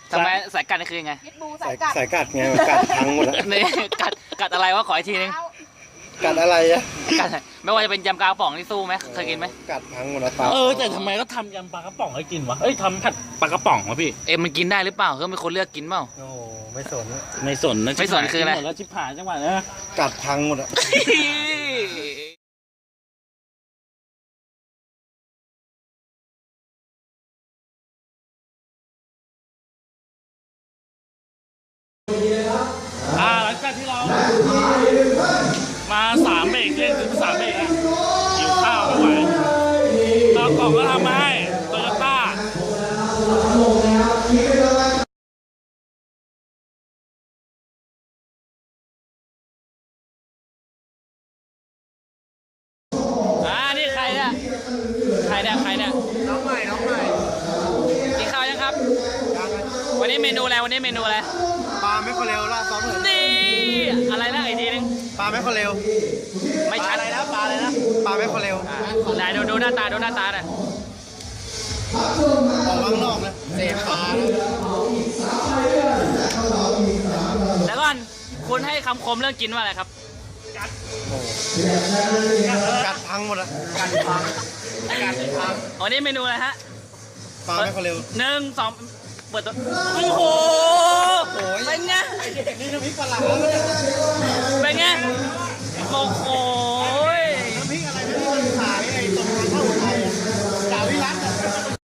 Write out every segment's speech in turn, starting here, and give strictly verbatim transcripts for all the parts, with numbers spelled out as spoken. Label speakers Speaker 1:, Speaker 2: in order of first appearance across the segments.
Speaker 1: ทำไมสายกัดนี่คือยังไง
Speaker 2: พิษบู
Speaker 3: สา
Speaker 2: สาย ยกัด
Speaker 3: สายกัดไงกัดพังหมดแล้ว
Speaker 1: นี่กัดกัดอะไรวะขออีกทีนึง
Speaker 3: กัดอะไรอะ
Speaker 1: กัดไม่ว่าจะเป็นยำกาป๋องที่สู้ไหมเคยกินไหม
Speaker 3: กัดพังหมดแล้วปลา
Speaker 4: เออแต่ทำไมก็ทำยำปลากระป๋องให้กินวะเอ้ยทำผัดปลากระป๋องวะพี่
Speaker 1: เอ็มมันกินได้หรือเปล่าเขาเป็นคนเลือกกินเปล่า
Speaker 3: โอ้ไม่สน
Speaker 4: ไม่สนนะ
Speaker 1: ไม่สนคืออะไร
Speaker 4: หมดแล้วชิบหายจังหวะนะ
Speaker 3: กัดพังหมดอะ
Speaker 4: อ่าหลังจากที่เรามาสามเบรกเล่นถึงสามเบรกอะหิวข้าวไม่ไหวเรากล่องก็ทำมาให้โตโยต้าอ่านี่ใครเนี่ยใครเนี่ยใครเนี่ย
Speaker 3: น้องใหม่น้องใหม่
Speaker 1: กินข้าวยังครับ วันนี้เมนูอะไรวันนี้เมนูอะไร
Speaker 3: ปลาไม่คนเร็วล่าซ้อมเลย
Speaker 1: นี่อะไรนะอีกทีนึง
Speaker 3: ปลาไม่คนเร็ว
Speaker 1: ไม่ชัด
Speaker 3: อะไรนะปลาอะไรนะปลาไม่คนเร็ว
Speaker 1: ไหนดูดูหน้าตาดูหน้าตาหน่อย
Speaker 3: ออกข้างนอกนะเสพปลา
Speaker 1: แล้วก่อนคุณให้คำคมเรื่องกินว่าอะไรครับ
Speaker 3: กัดพังหมดอะกัดพังกัดพัง
Speaker 1: วันนี้เมนูอะไรฮะ
Speaker 3: ปลาไม่คนเร็ว
Speaker 1: หนึ่งสองเปิดตัวโอ้โหเป็นไง
Speaker 3: นี่น้ำพริกปลาหลา
Speaker 1: เป็นไงโอ้โห
Speaker 3: น้ำพริกอะไรนะที่ขายไอ้ตรงทางเข้าไทยอะจ่าวิรัตอะ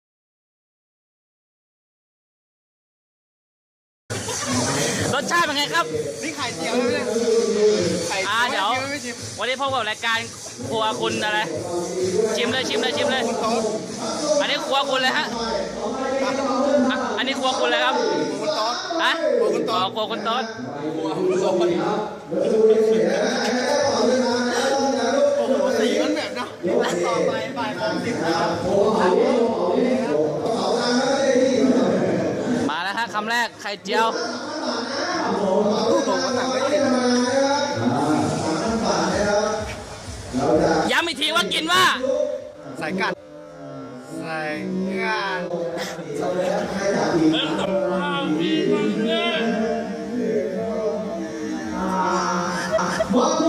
Speaker 1: รสชาติเป็นไงครับ
Speaker 3: นี่ไข่เจียวใช่ไหมเนี่ยไข่
Speaker 1: อ่าเดี๋ยว
Speaker 3: ไม่ชิม
Speaker 1: วันนี้พบกับรายการครัวคุณอะไรชิมเลยชิมเลยชิมเลย
Speaker 3: โต๊ะ
Speaker 1: อันนี้ครัวคุณเลยฮะอ่ะอันนี้ครัวคุณเลยครับ
Speaker 3: คุณโต๊ะ
Speaker 1: ฮะ
Speaker 3: ครัวคุณโต๊ะ
Speaker 1: อ๋อครัวคุณโต๊ด
Speaker 3: โอ้โหสีมันแบบนะต่อไปบ่ายโมงสิบนะครับ
Speaker 1: มาแล้วฮะคำแรกไข่เจียว ย้ำอีกทีว่ากินว่า
Speaker 3: ใส่กัดใส่งาน
Speaker 4: เริ่มกับข้าวมีความเนื้อ
Speaker 3: ปลา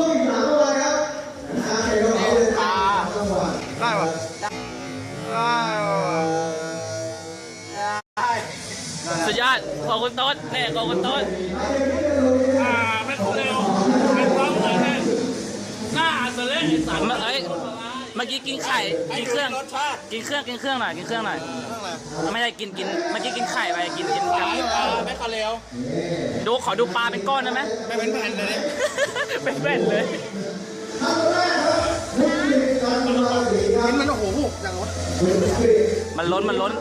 Speaker 3: ได้ปะได้ปะ
Speaker 1: สุดยอดขอบคุณโต๊ดนี่ขอบคุณโต๊ด
Speaker 4: อ่าไม่ครบเร็วไม่พร้อมเลยนะหน้าอาจจะเล่นไอ้สัตว์
Speaker 1: เมื่อเอ้ยเมื่อกี้กินไข่กินเครื่องกินเครื่องกินเครื่องหน่อยกินเครื่องหน่อยไม่ได้กินกินเมื่อกี้กินไข่ไปกินกินกับ
Speaker 3: ไม่คาเร็ว
Speaker 1: ดูขอดูปลาเป็นก้อนได้ไหม
Speaker 3: ไม่เป็นแผ่นเลย
Speaker 1: เป็นแว่นเลย
Speaker 3: กินมันโอ้โหอย่างวะ
Speaker 1: มันล้นมันล้น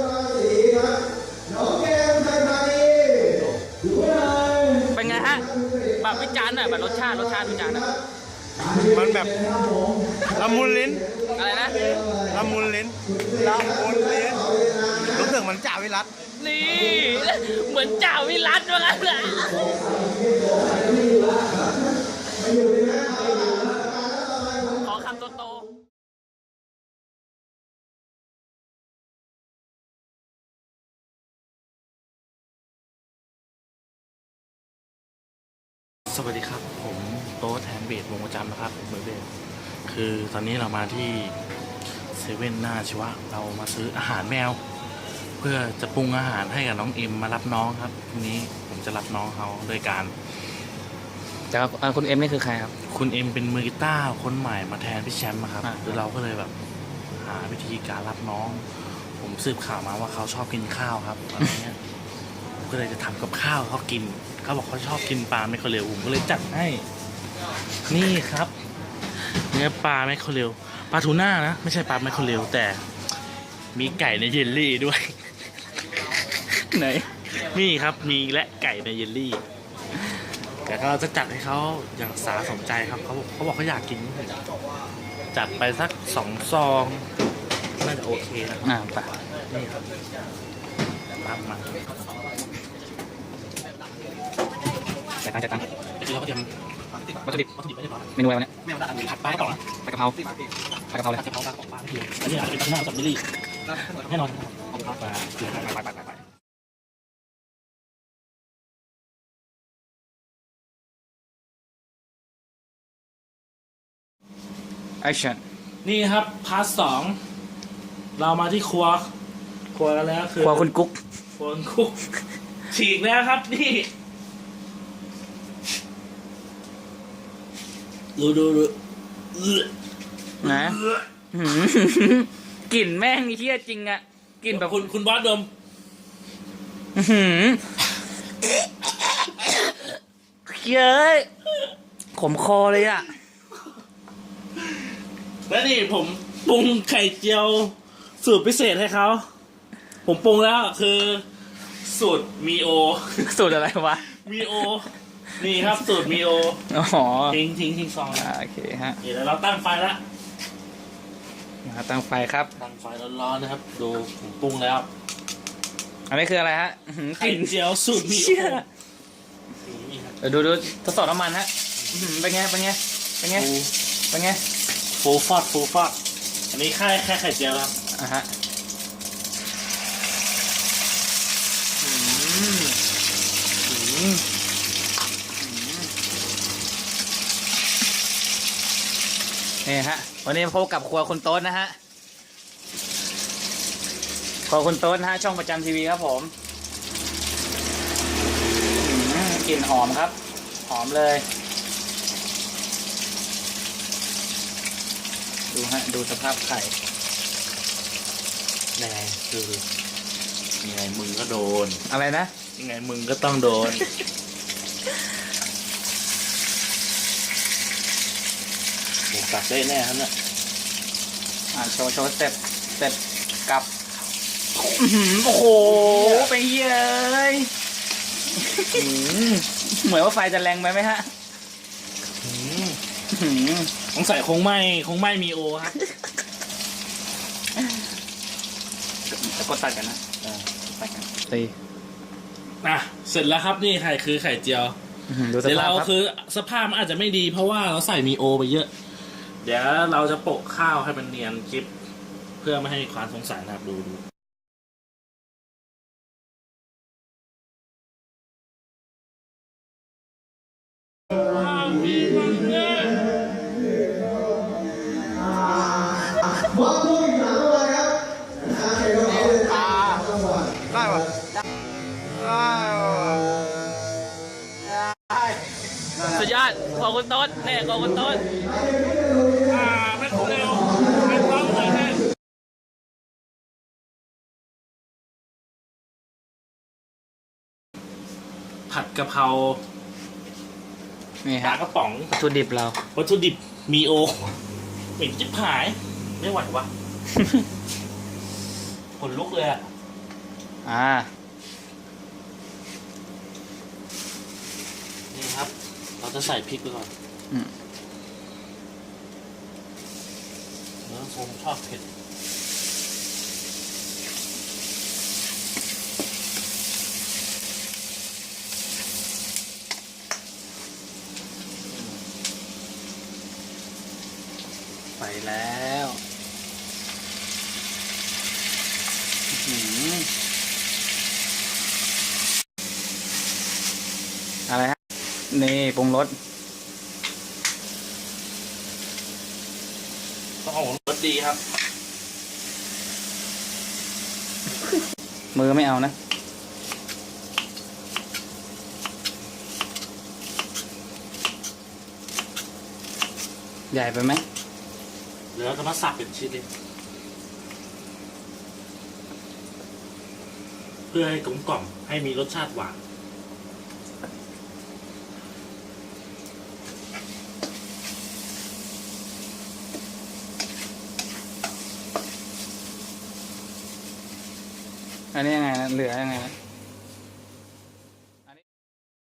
Speaker 1: เป็นไงฮะแบบวิจารณ์หน่อยแบบรสชาติรสชาติวิจารณ์หน่อย
Speaker 3: มันแบบละมุนลิ้น
Speaker 1: อะไรนะ
Speaker 3: ละมุนลิ้นละมุนลิ้นรู้สึกเหมือนจ่าวิรัต
Speaker 1: นี่เหมือนจ่าวิรัตว่างั้นแหละขอคำโตๆ
Speaker 4: สวัสดีครับผมโต๊ะแทนเบสวงประจำนะครับเบอร์เบสคือตอนนี้เรามาที่เซเว่นหน้าชีวะเรามาซื้ออาหารแมว เพื่อจะปรุงอาหารให้กับน้องเอ็มมารับน้องครับทีนี้ผมจะรับน้องเขาโดยการ
Speaker 1: แต่คุณเอ็มนี่คือใครครับ
Speaker 4: คุณเอ็มเป็นมือกีตาร์คนใหม่มาแทนพี่แชมป์ครับ
Speaker 1: อ่ะ
Speaker 4: คือเราก็เลยแบบหาวิธีการรับน้อง ผมสืบข่าวมาว่าเขาชอบกินข้าวครับอะไรเงี้ยผมก็เลยจะทำกับข้าวเขากินเขาบอกเขาชอบกินปลาไม่คาเรลผมก็เลยจัดให้นี่ครับเนื้อปลาไม่คาเรลปลาทูน่านะไม่ใช่ปลาไม่คาเรลแต่มีไก่ในเยลลี่ด้วย
Speaker 1: ไหน
Speaker 4: นี่ครับมีและไก่ในเยลลี่ แต่เราจะจัดให้เขาอย่างสาสมใจครับเขาบอกเขาบอกเขาอยากกิน จัดไปสักสองซองน่าจะโอเคนะ
Speaker 1: อ่าไป
Speaker 4: นี่ครับตามมา
Speaker 1: จ่ายตังค์จ่ายตังค์
Speaker 4: คือเราก็เตรียม
Speaker 1: วัตถุดิบ
Speaker 4: วัตถุดิบไว้เรียบร้อย
Speaker 1: เมนูอะไรวะเนี่ย
Speaker 4: ไม่เอาได้ผัดปลากระป๋อง
Speaker 1: ผัดกะเพราผัดกะเพราเลย
Speaker 4: ผัดกะเพราปลากระป๋องปลาไม่เพียอันนี้อาจจะเป็นปลาทูน่ากับเยลลี่แน่นอนครับขอบคุณครับไปไปไปไป
Speaker 1: action
Speaker 4: นี่ครับพาร์ทสองเรามาที่ครัวครัวกันแล้วคือ
Speaker 1: ครัวคุณกุ๊ก
Speaker 4: ครัวคุณกุ๊กฉีกแล้วครับนี่ดูดูดูเอื้อ
Speaker 1: นะ
Speaker 4: เอื้อก
Speaker 1: ลิ่นแม่งเฮี้ยจริงอะกลิ่นแบบ
Speaker 4: คุณคุณบอสดม
Speaker 1: อื้อหือเย้ยขมคอเลยอะ
Speaker 4: แล้วนี่ผมปรุงไข่เจียวสูตรพิเศษให้เขาผมปรุงแล้วคือสูตรมีโอ
Speaker 1: สูตรอะไรวะ
Speaker 4: มีโอนี่ครับสูตรมีโอ
Speaker 1: อ๋อ
Speaker 4: ทิ้งทิ้งทิ้งซอง
Speaker 1: อ่าโอเคฮะ
Speaker 4: นี่แล้วเราตั้งไฟแล้ว
Speaker 1: มาตั้งไฟครับ
Speaker 4: ตั้งไฟร้อนๆนะครับ ดูผมปรุงแล้ว
Speaker 1: อันนี้คืออะไรฮะอื้อหือก
Speaker 4: ไข่
Speaker 1: ลิ่น
Speaker 4: เจียวสูตรมีโอ
Speaker 1: เชี่ย
Speaker 4: นี่ครับ
Speaker 1: เดี๋ยวดูดูทดสอบน้ำมันฮะอื้อหือเป็นไงเป็นไงเป็นไง
Speaker 4: ฟู
Speaker 1: เป็นไง
Speaker 4: ฟูฟอดฟูฟอดอันนี้แค่แค่ไข่เจียวครับ
Speaker 1: อ่ะฮะอืมอืมนี่ฮะ วันนี้พบกับครัวคุณโต๊ดนะฮะ ครัวคุณโต๊ดนะฮะ ช่องประจำทีวีครับผมอืมกลิ่นหอมครับ หอมเลย ดูฮะ ดูสภาพไข่
Speaker 4: ยังไงดูดูยังไงมึงก็โดน
Speaker 1: อะไรนะ
Speaker 4: ยังไงมึงก็ต้องโดนหมูกัดได้แน่ครับเนี่ย
Speaker 1: อ่าโชว์โชว์สเต็ปสเต็ปกลับอื้อหือโอ้โห ไปเย้ยอื้อหือเหมือนว่าไฟจะแรงไปไหมฮะ
Speaker 4: อืม
Speaker 1: อื้อหือ
Speaker 4: สงสัยคงไม่คงไม่มีโอครับ
Speaker 1: จะกดตัดกันนะตัดกันตี
Speaker 4: อ่ะเสร็จแล้วครับนี่ไข่คือไข่เจียว
Speaker 1: อื้อหือดูส
Speaker 4: เดี๋ยว
Speaker 1: ภาพ
Speaker 4: เรา
Speaker 1: ครับ
Speaker 4: คือสภาพมันอาจจะไม่ดีเพราะว่าเราใส่มีโอไปเยอะ เดี๋ยวเราจะโปะข้าวให้มันเนียนคลิป เพื่อไม่ให้ความสงสัยนะครับดูดู
Speaker 3: ได้ปะได้
Speaker 1: สุดยอดขอบคุณโต๊ดนี่ขอบคุณโต๊ด
Speaker 4: อ่าไม่เร็วไม่พร้อมเลยนะผัดกะเพรา
Speaker 1: นี่
Speaker 4: ปลา
Speaker 1: ฮะ
Speaker 4: กระป๋อง
Speaker 1: วัตถุดิบเรา
Speaker 4: วัตถุดิบมีโอเหม็นจิ๊บหาย ไม่ไหววะ ขนลุกเลยอ่ะ
Speaker 1: อ่า
Speaker 4: นี่ครับ เราจะใส่พริกไปก่อน
Speaker 1: อืม
Speaker 4: เนื้อผมชอบเผ็ด
Speaker 1: ไปแล้วอื้อหืออะไรฮะ นี่ปรุงรส
Speaker 4: ต้องเอารสดีครับ
Speaker 1: มือไม่เอานะ ใหญ่ไปไหม
Speaker 4: เดี๋ยวเราจะมาสับเป็นชิ้นเลยเพื่อให้กลมกล่อมให้มีรสชาติหวาน
Speaker 1: อันนี้ยังไงนะเหลือยังไงนะอันนี้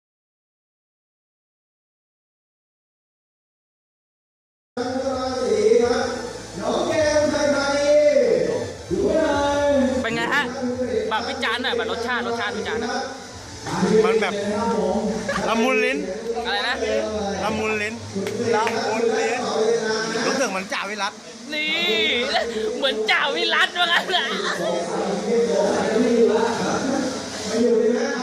Speaker 1: เป็นไงฮะแบบวิจารณ์หน่อยแบบรสชาติรสชาติวิจารณ์หน่อย
Speaker 3: มันแบบละมุนลิ้น
Speaker 1: อะไรนะ
Speaker 3: ละมุนลิ้นละมุนลิ้นรู้สึกเหมือนจ่าวิรัต
Speaker 1: นี่ เหมือนจ่าวิรัตว่างั้นแหละ